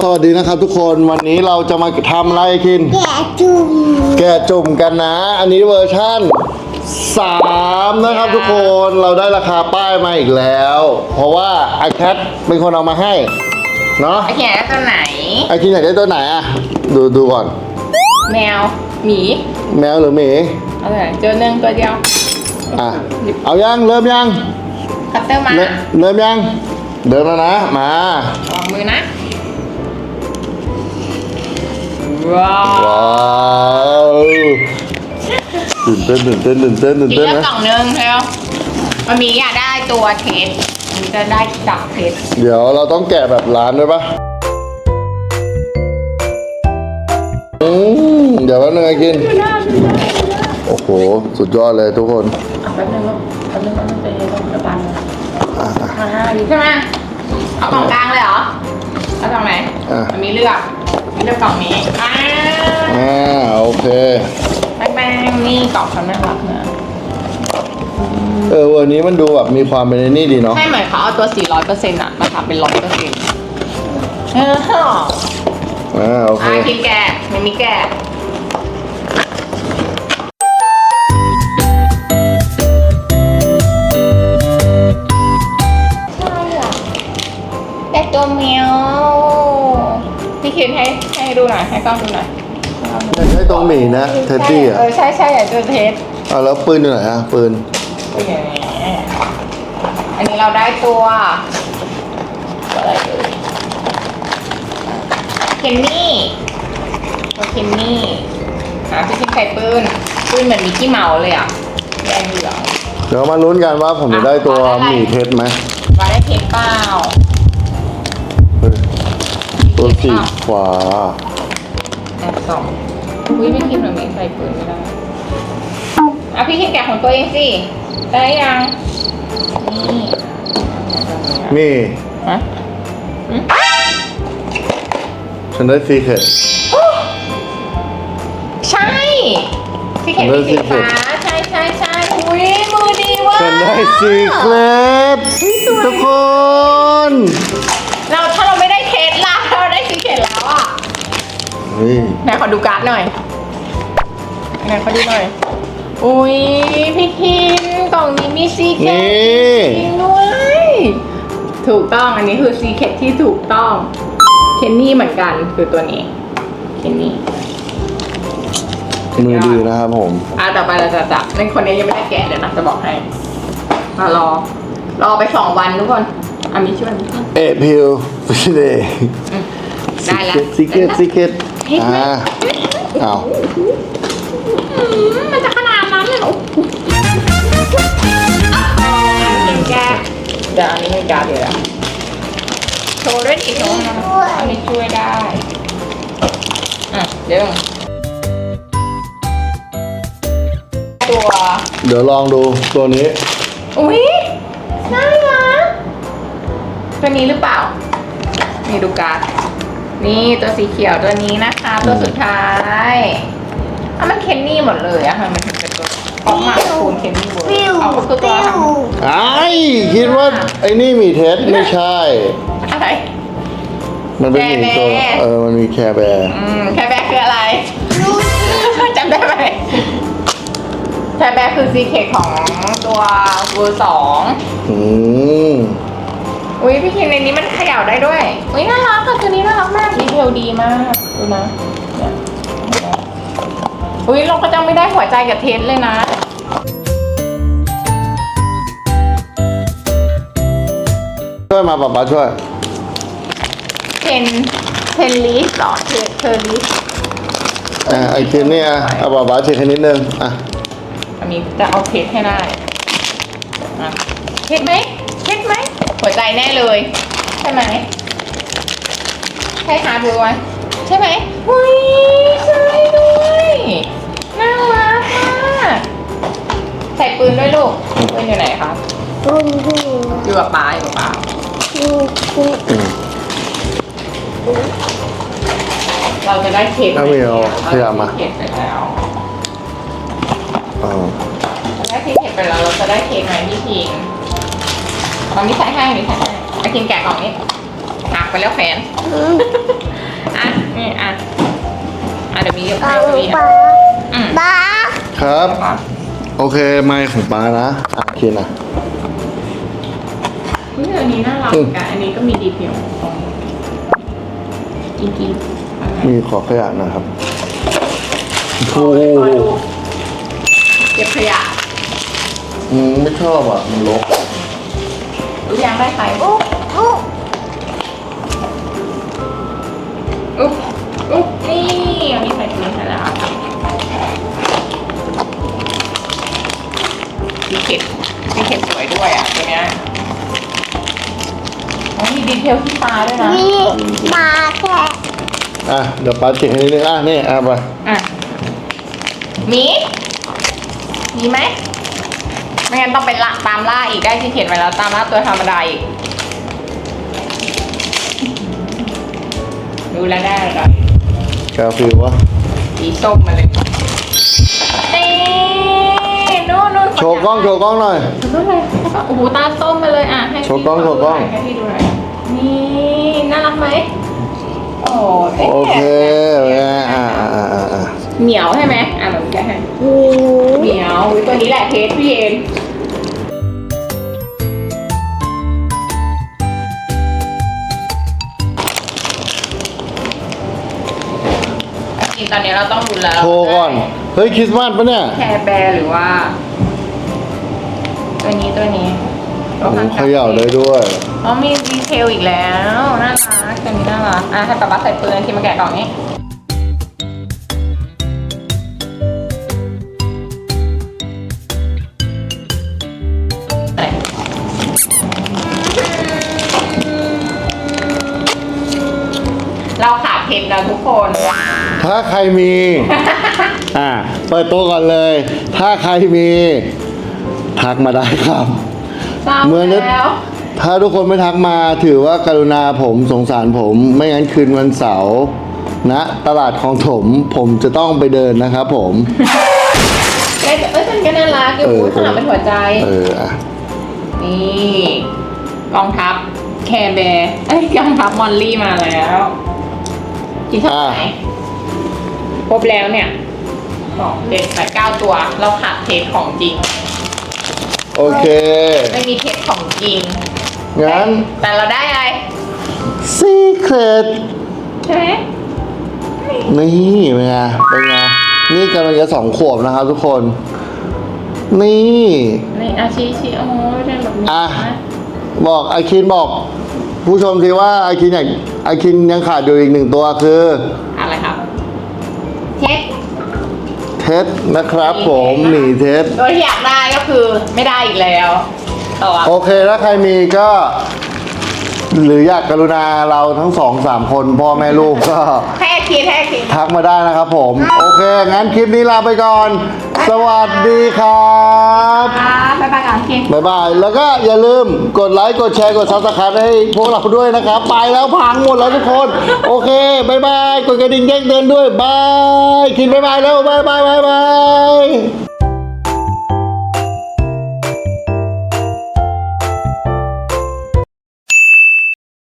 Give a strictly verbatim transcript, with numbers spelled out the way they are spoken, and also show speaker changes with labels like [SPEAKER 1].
[SPEAKER 1] สวัสดีนะครับทุกคนวันนี้เราจะมาทำอะไรกิน
[SPEAKER 2] แกะจุ่ม
[SPEAKER 1] แกะจุ่มกันนะอันนี้เวอร์ชั่นสามนะครับทุกคนเราได้ราคาป้ายมาอีกแล้วเพราะว่าไอแคทเป็นคนเอามาให้เนาะ
[SPEAKER 3] ไอแคทตัวไหน
[SPEAKER 1] ไอคินอยากได้ตัวไหนอะดูดูก่อน
[SPEAKER 3] แมวหมี
[SPEAKER 1] แมวหรือหมี
[SPEAKER 3] เอาตัวไหนเจอหนึ่งตัวเดียว
[SPEAKER 1] อ่ะเอายังเริ่มยัง
[SPEAKER 3] คัตเตอร์มา
[SPEAKER 1] เริ่มเริ่มยังเดินแล้วนะมา
[SPEAKER 3] ออกมือนะว้าว
[SPEAKER 1] ว้าวตื่นเต้นตื่นเต้นตื่นเต้นตื่น
[SPEAKER 3] กิน
[SPEAKER 1] เต้น
[SPEAKER 3] เลือก
[SPEAKER 1] นะ
[SPEAKER 3] กล่องหนึงแล้วมันมีอยากได้ตัวเทสมันจะได้ดับเทส
[SPEAKER 1] เดี๋ยวเราต้องแกะแบบร้านด้วยปะอืมเดี๋ยวแป๊บนึงไอ้กินโอ้โหสุดยอดเลยทุกคน
[SPEAKER 3] อ่ะแป๊บนึงลูกแป๊บนึงแป๊บนึงไปต้องกระปัน
[SPEAKER 1] อ่ะอ่ะ
[SPEAKER 3] อ่าดีใช่ไหมเอากล่องกลางเลยเหรอเอากล่องไหน
[SPEAKER 1] อ่ะ
[SPEAKER 3] มันมีเลือกมีเลือกกล่องนี้อ่า
[SPEAKER 1] อ่าโอเค
[SPEAKER 3] แป้งแป้งนี่กล่องเขาน่ารักนะ
[SPEAKER 1] เออวันนี้มันดูแบบมีความเป็นไอ้นี่ดีเนาะ
[SPEAKER 3] ใช่เหมือนเขาเอาตัว สี่ร้อยเปอร์เซ็นต์ อะมาทำเป็น ร้อยเปอร์เซ็นต์ เออ
[SPEAKER 1] อ่าโอเค
[SPEAKER 3] อ่ะกินแกะไม่มีแกะใช่อะแต่ตัวแมวพี่คิดให้ให้ดูหน่อย ให้กล้องดูหน่อย
[SPEAKER 1] ใช้ตรงหมีนะเท็ดดี้อ่ะ
[SPEAKER 3] เออใช่ใช่อยากจะเทส
[SPEAKER 1] อ่ะแล้วปืนอยู่ไหนอ่ะปืน
[SPEAKER 3] ตัวอย่างนี้อันนี้เราได้ตัวตัวอะไรเอ่ยเคนนี่ตัวเคนนี่อ่ะพี่คิดใส่ปืนปืนเหมือนมิกกี้เมาส์เลยอ่ะแดงเหลือง
[SPEAKER 1] เดี๋ยวมาลุ้นกันว่าผมจะได้ตัวหมีเท็ดไหม
[SPEAKER 3] ว่าได้เทสเปล่า
[SPEAKER 1] เฮ้ยตัวสีฟ้า
[SPEAKER 3] แอบสองอุ้ยพี่คิดเหมือนมิกใส่ปืนไม่ได้อ่ะพี่คิดแกะของตัวเองสิได้ยังนี่
[SPEAKER 1] นี่
[SPEAKER 3] ฮะ
[SPEAKER 1] ฉันได้ซีเคร็ต
[SPEAKER 3] ใช่ที่เห็นมีสีฟ้าใช่ใช่ใช่อุ้ยมือดีว่ะ
[SPEAKER 1] ฉันได้ซีเคร็ตทุกคน
[SPEAKER 3] เราถ้าเราไม่ได้เทสล่ะเราได้สีเข็ดแล้วอ่ะ
[SPEAKER 1] เฮ้ย
[SPEAKER 3] ไหนขอดูการ์ดหน่อยไหนขอดูหน่อยอุ้ยพี่คินกล่องนี้มีซีเค็ด
[SPEAKER 1] นี่
[SPEAKER 3] จริงด้วยถูกต้องอันนี้คือซีเค็ดที่ถูกต้องเคนนี่เหมือนกันคือตัวนี้เคนนี่
[SPEAKER 1] มือดีนะครับผม
[SPEAKER 3] อ่ะต่อไปเราจะจับในคนนี้ยังไม่ได้แกะเดี๋ยวนะจะบอกให้มารอ รอไปสองวันทุกคนอ่ะมีช่วย
[SPEAKER 1] เอพิวฟิเดย์
[SPEAKER 3] ได้แล้ว
[SPEAKER 1] ซีเกตซีเกต
[SPEAKER 3] เห็นไหม
[SPEAKER 1] อ่าอ้าว
[SPEAKER 3] อืมมันจะขนาดนั้นเลยเหรอเห็นแกะเดี๋ยวอันนี้ไม่การเดี๋ยวนะโชว์ด้วยดิโชว์นะอันนี้ช่วยได้อ่ะเดี๋ยวตัว
[SPEAKER 1] เดี๋ยวลองดูตัวนี้
[SPEAKER 3] อุ้ยน่ารักตัวนี้หรือเปล่า นี่ดูการ์ดนี่ตัวสีเขียวตัวนี้นะคะ ตัวสุดท้ายอ่ะมันเคนนี่หมดเลยอะค่ะมันถึงเป็นตัวออกมาคูณเคนนี่เวิร์
[SPEAKER 2] ฟิว
[SPEAKER 3] เอาก็คือตัว
[SPEAKER 2] ฟิว
[SPEAKER 1] ไอ้คิดว่าไอ้นี่หมีเท็ดไม่ใช่
[SPEAKER 3] อะไร
[SPEAKER 1] มันเป็นหมีตัว
[SPEAKER 3] แคร์แบร์
[SPEAKER 1] เออมันมีแคร์แบร์
[SPEAKER 3] อืมแคร์แบร์คืออะไรจำได้ไหมแคร์แบร์คือซีเคทของตัวเวอร์สอง
[SPEAKER 1] อืม
[SPEAKER 3] อุ้ยพี่คิมในนี้มันเขย่าได้ด้วยอุ้ยน่ารักค่ะตัวนี้น่ารักมากดีเทลดีมากดูนะเนี่ยอุ้ยเราก็จะไม่ได้หัวใจกับเทสเลยนะ
[SPEAKER 1] ช่วยมาป๊าป๊าช่วย
[SPEAKER 3] เทนเทนลิสหรอเทเทอร์ลิส
[SPEAKER 1] อ่ะไอ้คิดเนี่ยเอาป๊าป๊าเช็คให้นิดนึงอ่ะ
[SPEAKER 3] อันนี้จะเอาเทสให้ได้อ่ะเทสไหมเทสไหมหัวใจแน่เลยใช่ไหมใช่ฮาร์ดบวยใช่ไหมอุ้ยใช่ด้วยน่ารักมากใส่ปืนด้วยลูกปืนอยู่ไหนคะ
[SPEAKER 2] ปุ้นปุ้น
[SPEAKER 3] อยู่กับป้าอยู่กับป้า
[SPEAKER 2] ปุ้นปุ้น
[SPEAKER 1] อืม
[SPEAKER 3] เราจะได้เค้ก
[SPEAKER 1] เอาไม่เอาขยับมา
[SPEAKER 3] เค้กไปแล้ว
[SPEAKER 1] อ๋อ
[SPEAKER 3] จะได้เค้กไปแล้วเราจะได้เค้กไหมพี่พิงตอนนี้ใส่ให้นี่ใส่ให้ไอ้พิงแกะกล่องนี้หักไปแล้วแฟนอ่ะนี่อ่ะอ่ะเดี๋ยวมีเดี๋ยว
[SPEAKER 2] เอา
[SPEAKER 3] มี
[SPEAKER 2] ปลา
[SPEAKER 3] อืม
[SPEAKER 2] ปลา
[SPEAKER 1] ครับ
[SPEAKER 3] ก่อน
[SPEAKER 1] โอเคไมค์ของป้านะอ่ะคินอ่ะ
[SPEAKER 3] เฮ้ยอันนี้น่ารัก
[SPEAKER 1] อืม
[SPEAKER 3] กันอันนี้ก็มีดีเทลกินกินๆอะไร
[SPEAKER 1] มีขอขยะนะครับ
[SPEAKER 3] โอ้
[SPEAKER 1] โอ้
[SPEAKER 3] ยขอดูเก็บขยะ
[SPEAKER 1] อืมไม่ชอบอ่ะ มันรก
[SPEAKER 3] รู้ยังได้ใคร
[SPEAKER 2] อุ๊บอุ๊บ
[SPEAKER 3] อุ๊บอุ๊บนี่อันนี้ใส่ถุงใส่แล้วดีเข็ดดีเข็ดสวยด้วยอ่ะตัวเนี้ยอ๋อมีดีเทลที่ตาด้วยนะ
[SPEAKER 2] มีปลาแค่
[SPEAKER 1] อ่ะ เดี๋ยวป้าเช็คให้นิดนึงอ่ะ นี่อ่ะไป
[SPEAKER 3] อ่ะมีมีไหมไม่งั้นต้องไปละตามล่าอีกได้ที่เขียนไว้แล้วตามล่าตัวธรรมดาอีกดูแล้วได้เลย
[SPEAKER 1] กาฟิลวะ
[SPEAKER 3] สีส้มมาเลยนี่นู่นนู่น
[SPEAKER 1] โชว์กล้อง โชว์กล้องหน่อย
[SPEAKER 3] โชว์กล้องเลยโอ้โหตาส้มมาเลยอ่ะให้
[SPEAKER 1] โชว์กล้องโชว์กล้อง
[SPEAKER 3] ให้พี่ดูหน่อยนี่น่ารักไหมโอ้เอ๊ะ
[SPEAKER 1] โอเคอ่ะอ่ะอ่ะอ่ะอ่ะอ่ะ
[SPEAKER 3] เหนียวใช่ไหมอ่ะแบบแกะให้
[SPEAKER 2] หมู
[SPEAKER 3] เหนียวอุ๊ยตัวนี้แหละเทสพี่เย็นจริงๆตอนนี้เราต้องดูแล้ว
[SPEAKER 1] โชว์ก่อน เฮ้ย คริสต์มาสปะเนี่ย
[SPEAKER 3] แคร์แบร์หรือว่า ตัวนี้ตัวนี้
[SPEAKER 1] โอ้โหเขย่าได้ด้วย
[SPEAKER 3] อ๋อมีดีเทลอีกแล้วน่ารักตัวนี้น่ารักอ่ะให้ป๊าป๊าใส่ปืนที่มาแกะกล่องนี้ใส่เราขาดเพชรแล้วทุกคน
[SPEAKER 1] ถ้าใครมี อ่ะ เปิดตัวก่อนเลย ถ้าใครมี ทักมาได้ครับ
[SPEAKER 3] เศร้า
[SPEAKER 1] เหมือนนึก
[SPEAKER 3] แล้ว
[SPEAKER 1] ถ้าทุกคนไม่ทักมาถือว่ากรุณาผมสงสารผม ไม่งั้นคืนวันเสาร์ณตลาดคลองถม ผมจะต้องไปเดินนะครับผม
[SPEAKER 3] เอ้ยเอ้ยมันก็น่ารักอยู่
[SPEAKER 1] เออ
[SPEAKER 3] ข้างหลังเป็นหัวใจ
[SPEAKER 1] เอออ่ะ
[SPEAKER 3] นี่กองทัพแคร์แบร์เอ้ยกองทัพมอลลี่มาแล้วกี่เท่าไหร่ครบแล้วเนี่ยสองเจ็ดแปดเก้าตัว เราขาดเทสของจริง
[SPEAKER 1] โอเค
[SPEAKER 3] ไม่มีเทสของจริง
[SPEAKER 1] งั้น
[SPEAKER 3] แต่เราได้อะไร
[SPEAKER 1] Secret
[SPEAKER 3] ใช่ไหม
[SPEAKER 1] นี่เป็นไงเป็นไงนี่กำลังจะสองขวบนะครับทุกคน นี่
[SPEAKER 3] นี่อาชีชีโอ้ยเป็นแบบนี้
[SPEAKER 1] อ่ะ
[SPEAKER 3] นะ
[SPEAKER 1] บอกอาคินบอก ผู้ชมสิว่าอาคินอยากอาคินยังขาดอยู่อีกหนึ่งตัวคือ
[SPEAKER 3] อะไรครับเทส
[SPEAKER 1] เท็ดนะครับผมหนีเท็ด
[SPEAKER 3] ตัวที่อยากได้ก็คือไม่ได้อีกแล้วตัว
[SPEAKER 1] โอเคถ้าใครมีก็หรืออยากกรุณาเราทั้งสองสามคนพ่อแม่ลูกก็
[SPEAKER 3] แค่คิดแค่คิด
[SPEAKER 1] ทักมาได้นะครับผม โอเค งั้นคลิปนี้ลาไปก่อน สวัสดีครับ
[SPEAKER 3] ครับบ๊ายบายกันคิด
[SPEAKER 1] บ๊ายบาย แล้วก็อย่าลืมกดไลค์ กดแชร์ กดซับสไครต์ให้พวกเราด้วยนะครับ ไปแล้วพังหมดแล้วทุกคน โอเคบ๊ายบาย กดกระดิ่งแจ้งเตือนด้วย บาย คิดบ๊ายบายแล้ว บายบายบายบาย